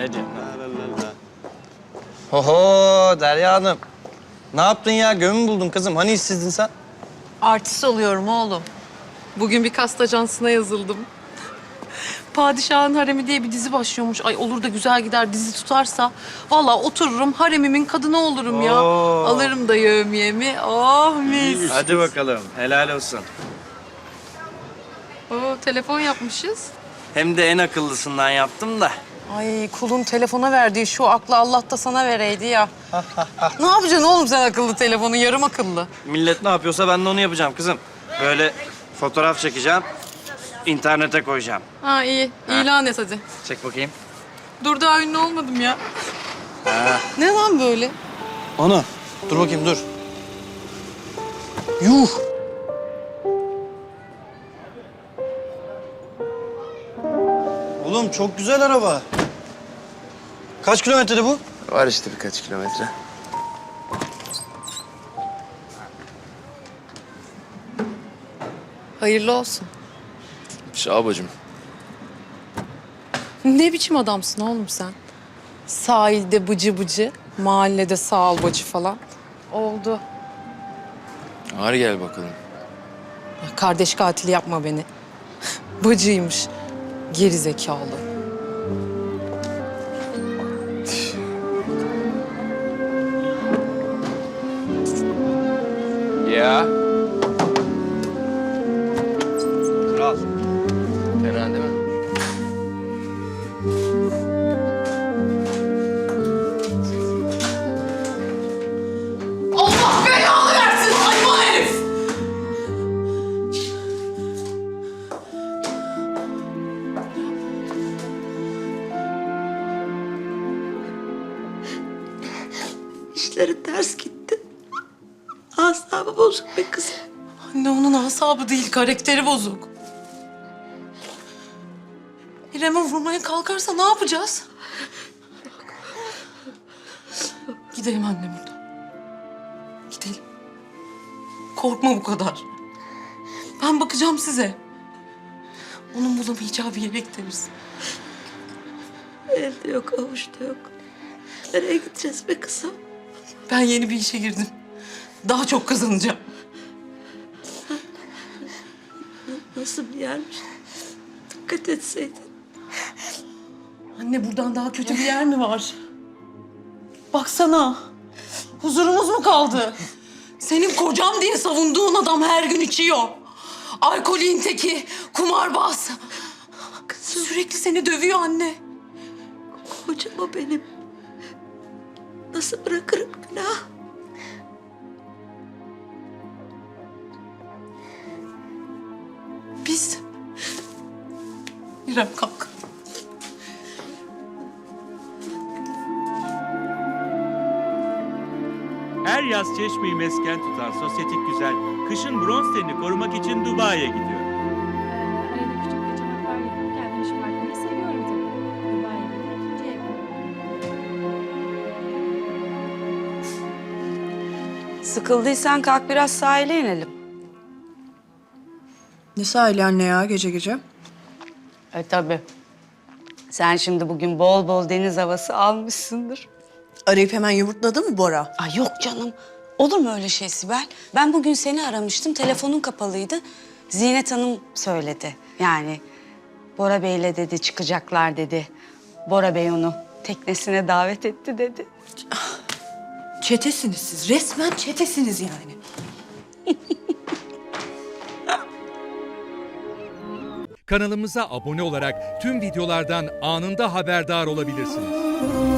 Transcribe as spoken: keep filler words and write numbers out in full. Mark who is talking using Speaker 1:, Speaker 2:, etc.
Speaker 1: Deryacığım. Oho Derya Hanım. Ne yaptın ya? Gömü buldun kızım. Hani işsizdin sen?
Speaker 2: Artist oluyorum oğlum. Bugün bir kast ajansına yazıldım. Padişahın Haremi diye bir dizi başlıyormuş. Ay olur da güzel gider dizi tutarsa. Vallahi otururum haremimin kadını olurum ya.
Speaker 1: Oo.
Speaker 2: Alırım da yevmiyemi. Oh mis.
Speaker 1: Hadi bakalım. Helal olsun.
Speaker 2: Oo, telefon yapmışız.
Speaker 1: Hem de en akıllısından yaptım da.
Speaker 2: Ay kulun telefona verdiği şu aklı Allah da sana vereydi ya. Ne yapacaksın oğlum sen akıllı telefonu, yarım akıllı?
Speaker 1: Millet ne yapıyorsa ben de onu yapacağım kızım. Böyle fotoğraf çekeceğim, internete koyacağım.
Speaker 2: Ha iyi, ilan et hadi.
Speaker 1: Çek bakayım.
Speaker 2: Dur daha ünlü olmadım ya.
Speaker 1: Ha.
Speaker 2: Ne lan böyle?
Speaker 1: Ana, dur bakayım dur. Yuh! Oğlum çok güzel araba. Kaç kilometrede bu?
Speaker 3: Var işte birkaç kilometre.
Speaker 2: Hayırlı olsun.
Speaker 3: Sağ ol bacım.
Speaker 2: Ne biçim adamsın oğlum sen? Sahilde bıcı bıcı, mahallede sağ ol bacı falan. Oldu.
Speaker 3: Ağır gel bakalım.
Speaker 2: Kardeş katili yapma beni. Bacıymış. Geri zekalı.
Speaker 3: Ya.
Speaker 1: Kral.
Speaker 3: Fena değil mi?
Speaker 2: Allah belanı versin hayvan herif!
Speaker 4: İşleri ters gitti. Asabı bozuk be kızım.
Speaker 2: Anne onun asabı değil, karakteri bozuk. İrem'e vurmaya kalkarsa ne yapacağız? Gidelim anne buradan. Gidelim. Korkma bu kadar. Ben bakacağım size. Onun bulamayacağı bir yere gideriz.
Speaker 4: Elde yok, avuçta yok. Nereye gideceğiz be kızım?
Speaker 2: Ben yeni bir işe girdim. Daha çok kazanacağım.
Speaker 4: Nasıl bir yermiş? Dikkat etseydin.
Speaker 2: Anne buradan daha kötü bir yer mi var? Baksana. Huzurumuz mu kaldı? Senin kocam diye savunduğun adam her gün içiyor. Alkolün teki, kumarbaz.
Speaker 4: Kızım,
Speaker 2: Sürekli seni dövüyor anne.
Speaker 4: kocam o benim. Nasıl bırakırım günah?
Speaker 2: Biz... İrem kalk.
Speaker 5: Her yaz Çeşme'yi mesken tutan sosyetik güzel, kışın bronz tenini korumak için Dubai'ye gidiyor.
Speaker 6: Arada küçük kaçamaklar yapıp kendimi şımartmayı seviyorum tabii. Dubai'ye gidip ikinci evim.
Speaker 7: Sıkıldıysan kalk biraz sahile inelim.
Speaker 8: Ne sahili anne ya gece gece?
Speaker 7: E tabii. Sen şimdi bugün bol bol deniz havası almışsındır.
Speaker 8: Arayıp hemen yumurtladı mı Bora?
Speaker 7: Ay yok canım. Olur mu öyle şey Sibel? Ben bugün seni aramıştım. Telefonun kapalıydı. Zinet Hanım söyledi. Yani Bora Bey'le dedi çıkacaklar dedi. Bora Bey onu teknesine davet etti dedi.
Speaker 8: Çetesiniz siz. Resmen çetesiniz yani.
Speaker 9: Kanalımıza abone olarak tüm videolardan anında haberdar olabilirsiniz.